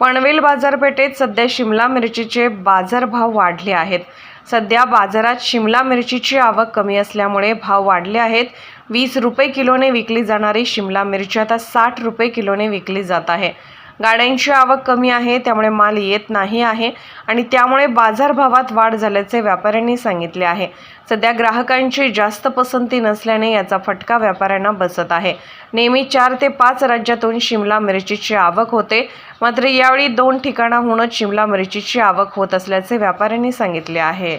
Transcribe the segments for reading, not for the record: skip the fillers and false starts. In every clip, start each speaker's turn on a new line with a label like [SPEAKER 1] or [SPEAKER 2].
[SPEAKER 1] पनवेल बाजारपेठेत सध्या शिमला मिरचीचे बाजारभाव वाढले आहेत। सध्या बाजारात शिमला मिरचीची आवक कमी असल्यामुळे भाव वाढले आहेत। 20 रुपये किलोने विकली जाणारी शिमला मिरची आता 60 रुपये किलोने विकली जात आहे। गाड्यांची आवक कमी आहे, त्यामुळे माल येत नाही आहे आणि त्यामुळे बाजारभावात वाढ झाल्याचे व्यापाऱ्यांनी सांगितले आहे। सध्या ग्राहकांची जास्त पसंती नसल्याने याचा फटका व्यापाऱ्यांना बसत आहे। नेहमी 4 ते 5 राज्यातून शिमला मिरचीची आवक होते, मात्र यावेळी 2 ठिकाणाहूनच शिमला मिरचीची आवक होत असल्याचे व्यापाऱ्यांनी सांगितले आहे।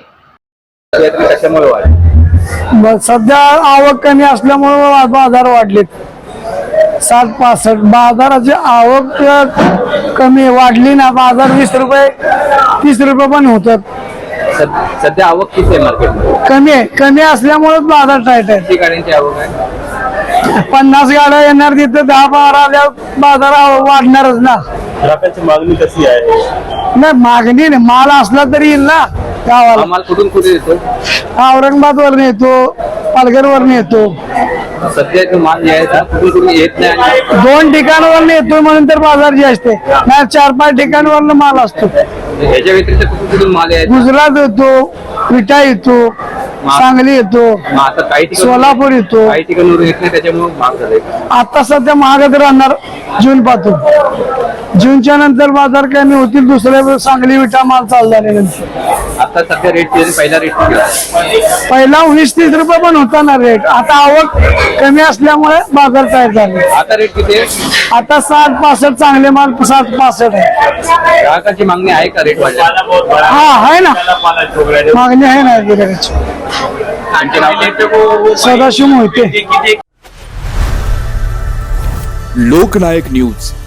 [SPEAKER 2] सध्या आवक कमी असल्यामुळे बाजार वाढलेत। 60-65 बाजाराची आवक कमी वाढली ना, बाजार 20 रुपये 30 रुपये पण होतात।
[SPEAKER 3] सध्या आवक किती आहे मार्केटमध्ये?
[SPEAKER 2] कमी असल्यामुळे बाजार टाईट आहे।
[SPEAKER 3] किती गाड्यांची आवक आहे?
[SPEAKER 2] 50 गाड्या येणार, तिथे 10-12 आल्या बाजार वाढणारच ना।
[SPEAKER 4] ग्राहकांची मागणी कशी आहे?
[SPEAKER 2] नाही, मागणी नाही, माल असला तरी येईल ना गावाला।
[SPEAKER 3] माल कुठून कुठे येतो?
[SPEAKER 2] औरंगाबाद वरून येतो, पालघर वरून येतो।
[SPEAKER 3] सध्या जो माल यायचा कुठून येत नाही।
[SPEAKER 2] 2 ठिकाणावरून येतो म्हणून तर बाजार जास्त आहे, नाही 4-5 ठिकाणावरून माल असतो।
[SPEAKER 3] याच्या व्यतिरिक्त कुठून माल यायचा?
[SPEAKER 2] गुजरात येतो, विटा येतो, सांगली येतो,
[SPEAKER 3] आता काही ठिकाणी
[SPEAKER 2] सोलापूर येतो।
[SPEAKER 3] काही ठिकाणून येत नाही, त्याच्यामुळे महाग झालंय।
[SPEAKER 2] आता सध्या महागच राहणार जून पासून। जूनच्या नंतर बाजार कमी होतील, दुसऱ्या सांगली विटा माल चालू झाल्यानंतर।
[SPEAKER 3] आता सध्या रेट पहिला रेट
[SPEAKER 2] पहिला 20-30 रुपये पण होता ना रेट, आता आवक कमी असल्यामुळे बाजार तयार झाले।
[SPEAKER 3] आता रेट किती आहे?
[SPEAKER 2] आता 60-65 चांगले माल 60-65 आहे।
[SPEAKER 3] ग्राहकाची मागणी आहे का रेट वाढल्या?
[SPEAKER 2] हा आहे ना, मागणी आहे ना गिऱ्हाईकाची।
[SPEAKER 3] आणखी नाव?
[SPEAKER 2] सदाशिव मोहिते।
[SPEAKER 5] लोकनायक न्यूज